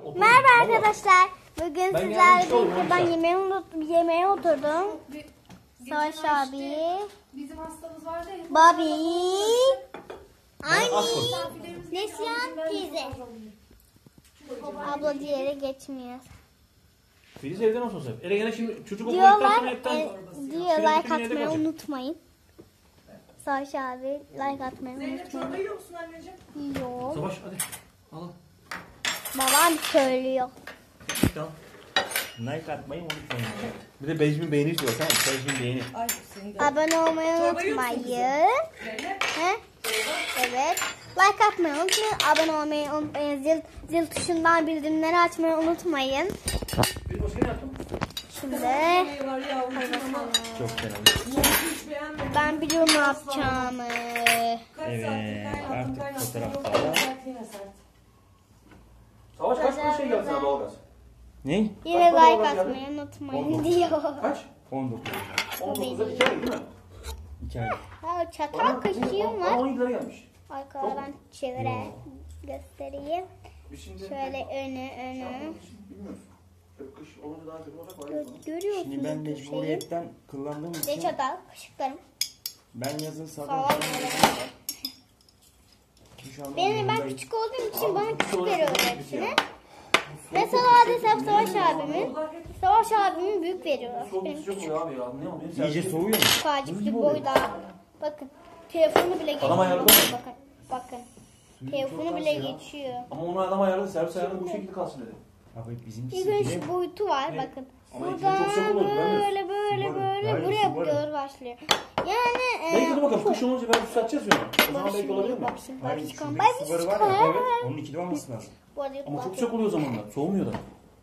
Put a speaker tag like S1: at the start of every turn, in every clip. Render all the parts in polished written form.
S1: otur.
S2: Merhaba
S1: Vallahi.
S2: arkadaşlar. Bugün
S1: Ben
S2: sizlerle
S1: yardımcı olayım,
S2: birlikte ben
S1: oynayacağım.
S2: yemeğe oturdum. Savaş
S3: Geçen ay
S2: abi,
S3: işte bizim hastamız vardı ya.
S2: Bobby,
S1: Bana az koy.
S2: Neslihan teyze. Abla diğeri geçmiyor.
S1: Filiz evden olsun sen. Ele gene şimdi çocuk okula gittikten sonra
S2: Diyorlar,
S1: hepten...
S2: diyor
S1: Filiz
S2: like
S1: bütün yerde
S2: atmayı
S1: kalacak.
S2: unutmayın. Savaş abi like atmayı
S3: Zeynep çorba
S2: unutmayın.
S3: yiyor musun anneciğim?
S2: Yok.
S1: Savaş hadi. Al.
S2: Babam söylüyor.
S1: Tamam.
S4: Like atmayı unutmayın.
S1: Bir de Beyzmin beğeni istiyor. Tamam. Beyzmin beğeni.
S3: Ay senin de.
S2: Abone olmayı
S3: Çorba yiyor musun
S2: unutmayın.
S3: Zeynep.
S2: He? Evet. Like atmayı unutmayın. Abone olmayı unutmayın. Zil tuşundan bildirimleri açmayı unutmayın.
S1: Bir başka ne yaptın?
S2: Şimdi
S3: Yemeği var ya.
S4: Çok fena.
S3: Hiç beğenmedim.
S2: ben biliyorum ne yapacağımı.
S4: Evet, artık fotoğrafta.
S1: Savaş kaç şey geldi sana doğalgaz?
S4: Ne?
S2: Yine
S1: Kaç para
S2: like
S1: geldi?
S2: atmayı unutmayın
S1: 19.
S2: diyor.
S1: Kaç?
S4: 19.
S1: 19'da 2 ay değil mi?
S4: 2 ay.
S2: Ha, çatal kaşığım var.
S1: 17 lira gelmiş.
S2: Arkadan çevire göstereyim.
S1: Biz şimdi...
S2: Şöyle önü.
S1: Bilmiyoruz. Kış olunca daha kötü olacak. Var
S2: Görüyorsunuz
S4: Şimdi ben
S2: bu şeyi.
S4: mecburiyetten kullandığım
S2: Ve
S4: için
S2: çatal kaşıklarım.
S4: ben yazın
S2: Sağ
S4: sabah
S2: ol.
S4: duş almam
S2: Benim ben
S4: zorundayım.
S2: küçük olduğum için bana küçük
S1: olarak
S2: veriyorlar
S1: çok
S2: hepsini.
S1: güzel.
S2: Mesela desem Savaş abimin büyük veriyorlar.
S1: Soğuk
S2: Benim
S1: sıcak
S2: küçük.
S1: oluyor abi ya. Ne oluyor?
S4: İyice soğuyor mu?
S2: Ufacık boyda. Bakın. Telefonu bile geçiyor.
S1: ayarlı mı?
S2: Bakın. Telefonu bile geçiyor.
S1: Ama onu adam ayarladı. Servis ayarladı bu şekilde kalsın dedi.
S4: Abi bizim
S2: Bir gün
S4: sevgili
S2: şu boyutu var
S1: Evet.
S2: bakın.
S1: Ama
S2: Buradan
S1: içinde çok sıcak olur,
S2: böyle
S4: Hayır,
S2: buraya
S4: su var.
S2: doğru başlıyor. Yani
S1: Belki de bakalım kış olunca belki satacağız ya. O zaman belki olabilir mi?
S4: Hayır,
S2: Başkan.
S4: şuradaki
S2: Bay
S4: suları var ya.
S2: Evet.
S4: Onun ikili olması lazım.
S2: Bu arada
S1: Ama çok sıcak oluyor o zamanlar. Soğumuyor da.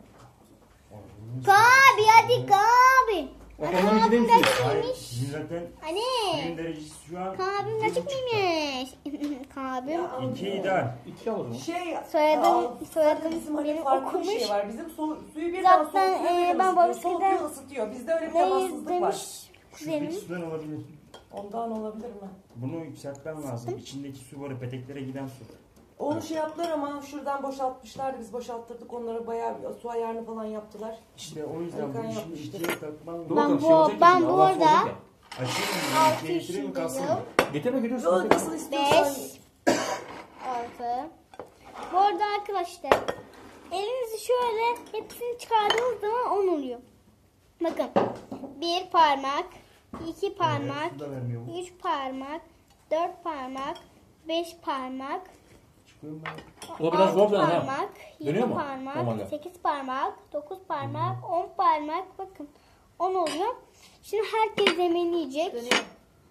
S2: Kabi hadi Kabi.
S1: Bak onların içinde mi suyu?
S4: Hayır, bizim zaten
S2: Anne.
S4: suyun derecesi şu an
S2: Kabim açık mıymış? Kabim.
S4: 2 ideal.
S1: 2 al o zaman.
S2: Soyadım
S3: Bizim hani
S2: benim
S3: farklı bir
S2: okumuş.
S3: şey var. Bizim suyu birden
S2: Zaten,
S3: soğutuyor, birden
S2: ben
S3: ısıtıyor.
S2: babasıyla
S3: Soğutuyor, ısıtıyor. Bizde öyle bir
S2: Ne
S3: temassızlık var.
S2: demiş
S4: Şuradaki
S2: kuzenim?
S4: sudan olabilir.
S3: Ondan olabilir mi?
S4: Bunu yükseltmem lazım. İçindeki su var, peteklere giden su.
S3: Onu şey yaptılar ama şuradan boşaltmışlardı. Biz boşalttırdık. Onlara bayağı bir su ayarını falan yaptılar.
S4: İşte o yüzden bu
S3: Volkan
S4: işin
S3: yapmıştı.
S4: ikiye takmam
S1: Dur
S4: lazım.
S1: bakalım şey olacak ya şimdi,
S2: bu
S1: Allah
S2: arada-
S1: soğuyacak ya.
S4: Açayım
S2: Altı
S4: mı? Getireyim mi kalsın mı?
S2: yaşındayım.
S1: Getirme gidiyorsun.
S3: Yok nasıl istiyorsan.
S2: 5 6. Bu arada arkadaşlar elinizi şöyle hepsini çıkardığınız zaman 10 oluyor. Bakın. 1 parmak, 2 parmak,
S4: Su da vermiyor bu.
S2: 3 parmak, 4 parmak, 5 parmak,
S4: Çıkıyor mu?
S1: O biraz
S2: 6
S1: zor dönem ha.
S2: parmak, 7
S1: Dönüyor mu?
S2: parmak,
S1: Normalde.
S2: 8 parmak, 9 parmak, 10 parmak. Bakın 10 oluyor. Şimdi herkes yemeğini yiyecek.
S3: Dönüyor.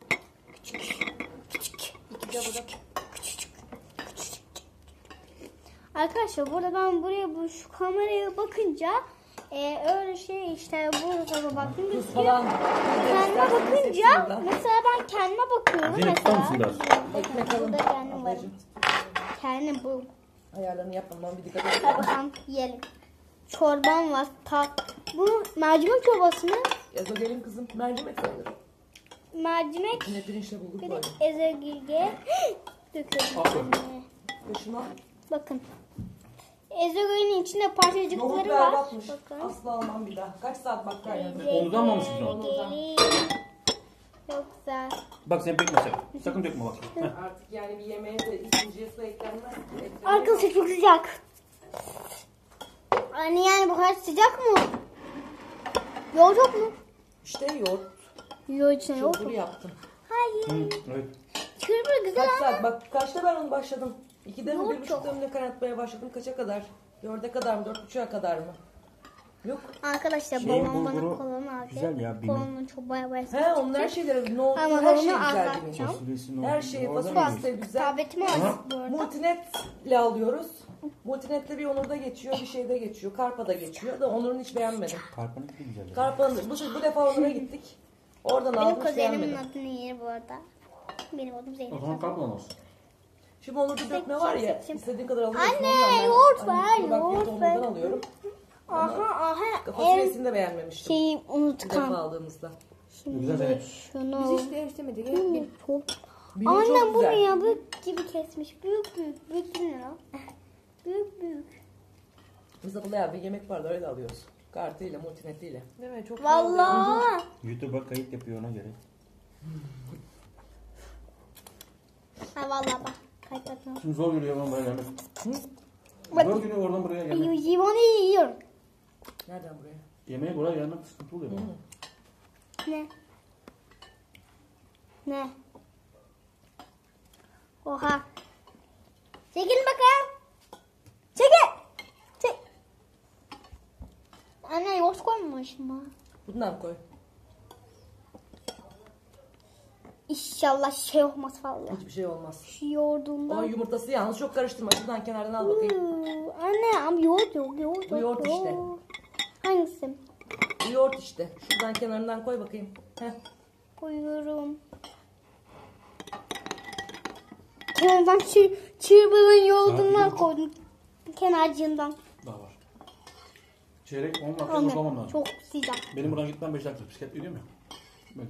S2: Arkadaşlar burada ben şu kameraya bakınca öyle şey işte burada baktım gözüküyor.
S3: Falan.
S2: Kendime bakınca mesela ben kendime bakıyorum
S1: Zeynep, tutar mısın
S2: mesela.
S1: biraz?
S2: Bakın burada kendim varım. Kendim bu.
S3: Ayarlarını yapmam bir dikkat et.
S2: Hadi bakalım yiyelim. Çorbam var. Bu mercimek çorbası mı?
S3: Ezogelin kızım mercimek sanırım.
S2: Mercimek.
S3: Yine pirinçle bulduk
S2: Bir de
S3: böyle.
S2: ezogilge döküyorum.
S1: Aferin.
S3: Başına
S2: Bakın. Ezogilin içinde
S3: nohut
S2: parçacıkları var.
S3: berbatmış.
S2: Bakın.
S3: Asla almam bir daha. Kaç saat bak kaynadı.
S1: Omuzdan mı almışsın onu?
S2: Ezogilin. Çok güzel.
S1: Bak sen dökme sen. Sakın dökme bak. Heh.
S3: Artık yani bir yemeğe de ikinciye su eklenmez.
S2: Arkadaşlar çok sıcak. Yani bu kadar sıcak mı? Yoğurt yok mu?
S3: İşte yoğurt.
S2: Yoğurt içine yoğurt
S3: Çılgır
S2: mu?
S3: yaptım.
S2: Hayır.
S1: Evet.
S2: Çırpı güzel
S3: Kaç
S2: ama.
S3: saat? Bak kaçta ben onu başladım? 2'de mi
S2: Yoğurt
S3: 1.30'da mı ne kaynatmaya başladım? Kaça kadar? 4'e kadar mı? 4.30'a kadar mı? Yok.
S2: Arkadaşlar
S4: Şeyin
S2: babam bana
S4: bulguru
S2: kolanı aldı.
S4: güzel ya, benim.
S2: Kolanı çok baya
S3: He onun her şeyleri, nohut,
S2: Ama
S3: her
S2: onu
S3: şey güzel
S2: azaltacağım.
S3: benim.
S4: Fasulyesi
S3: Her şeyi
S4: Orada
S3: fasulyesi
S4: mı?
S3: de güzel.
S2: Tabletimi aldım bu arada.
S3: Multinetle alıyoruz. Multinetle bir Onur'da geçiyor, bir şeyde geçiyor. Karpa'da geçiyor da Onur'un hiç beğenmedim.
S4: Karpanın da güzel.
S3: Karpa'nın bu defa Onur'a gittik. Oradan
S2: Benim
S3: aldım hiç
S2: kuzenimin
S3: beğenmedim.
S2: adını yer bu arada. Benim adım
S1: O
S2: Zeynep.
S1: zaman kalkma olsun.
S3: Şimdi Onur'da dökme var ya,
S2: seçim.
S3: istediğin kadar alıyorsun.
S2: Anne,
S3: Ondan ben-
S2: yoğurt
S3: Hani
S2: ver,
S3: kusura bakmayın,
S2: yoğurt
S3: Onur'dan
S2: ver.
S3: alıyorum.
S2: Aha. En
S3: Fasulyesini de beğenmemiştim.
S2: şeyi
S3: Bir defa
S2: unutkan.
S3: aldığımızda.
S1: Güzel Zeynep.
S2: Şunu.
S3: değiştirmedik.
S2: Çok.
S3: Benim çok
S2: Annem bunu
S3: güzel.
S2: ya büyük gibi kesmiş. Büyük. Büyük değil mi lan? Büyük.
S3: Biz de bayağı bir yemek vardı öyle alıyoruz. Kartıyla, multinetiyle.
S5: Değil mi? Çok güzel oluyor.
S2: Vallahi.
S4: YouTube'a kayıt yapıyor ona göre.
S2: Ha vallahi bak. Kaybetmiyorum.
S1: Şimdi zor geliyor oradan buraya gelmek. Zor geliyor oradan buraya gelmek.
S2: Limonu yiyorum.
S3: Nereden buraya?
S1: Yemeğe buraya gelmek sıkıntı oluyor.
S2: Ne? Ne? Oha. Çekil bakalım. Çekil. Çek. Anne yoğurt koymamışım ha.
S3: Bundan koy.
S2: İnşallah şey olmaz vallahi.
S3: Hiçbir şey olmaz.
S2: Şu yoğurdundan.
S3: O yumurtası yalnız çok karıştırma. Şuradan kenardan al bakayım.
S2: Anne ama yoğurt yok. Yoğurt
S3: Bu
S2: yok.
S3: yoğurt işte.
S2: Hangisi?
S3: Bu yoğurt işte. Şuradan kenarından koy bakayım. Heh.
S2: Koyuyorum. Kenardan çırpının yoğurdundan
S1: Saat
S2: koydum. Kenarcığından.
S1: Daha var. Çeyrek 10 dakika
S2: Anne
S1: uzamam lazım.
S2: çok sıcak.
S1: Benim buradan gitmem 5 dakika. Bisiklet ediyor mu? Böyle.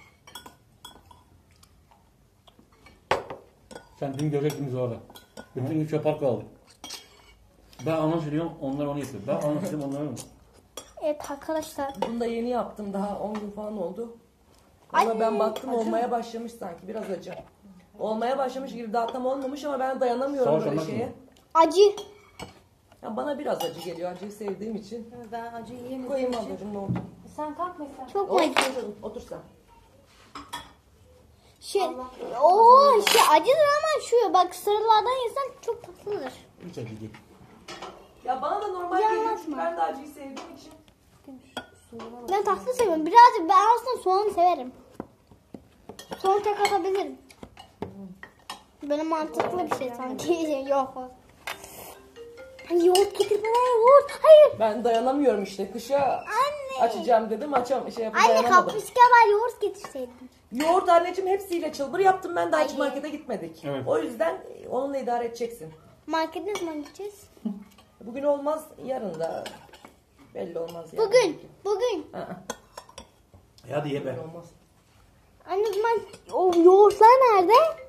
S1: Sen dün görecektiniz orada. Bütün gün çöp parkı aldık. Ben anons ediyorum, onlar onu yapıyor. Ben anons ediyorum, onlar onu.
S2: Evet arkadaşlar.
S3: Bunu da yeni yaptım. Daha 10 gün falan oldu. Ama ben baktım olmaya başlamış sanki. Biraz acı. Olmaya başlamış gibi daha tam olmamış ama ben dayanamıyorum
S1: Savaş
S3: böyle
S1: olmaz
S3: şeye.
S1: mı?
S2: Acı.
S3: Ya bana biraz acı geliyor. Acıyı sevdiğim için.
S5: Ben acı yiyemediğim
S3: Koyayım
S5: için.
S3: ablacığım ne oldu?
S5: Sen kalk mesela.
S2: Çok mu
S3: Otur,
S2: acı?
S3: otur sen.
S2: Acıdır ama şu bak sarılardan yesen çok tatlıdır.
S1: Hiç acı değil.
S3: Ya bana da normal geliyor çünkü
S2: Yanlaşma.
S3: ben de acıyı sevdiğim için.
S2: Ben tatlı seviyorum. Birazcık ben aslında soğan severim. Soğan tek atabilirim. Böyle mantıklı bir şey sanki. Yok o. Hani yoğurt getir bana yoğurt. Hayır.
S3: Ben dayanamıyorum işte. Kışa
S2: Anne.
S3: açacağım dedim. Şey
S2: Anne
S3: dayanamadım.
S2: kapuska var yoğurt getirseydin.
S3: Yoğurt anneciğim hepsiyle çılbır yaptım ben de hiç
S2: Ay.
S3: markete gitmedik.
S1: Evet.
S3: O yüzden onunla idare edeceksin.
S2: Markete ne zaman gideceğiz?
S3: Bugün olmaz yarın da belli olmaz yani.
S2: Bugün.
S3: Aa,
S1: Hadi ye be.
S3: bugün olmaz.
S2: Anne o zaman o yoğurtlar nerede?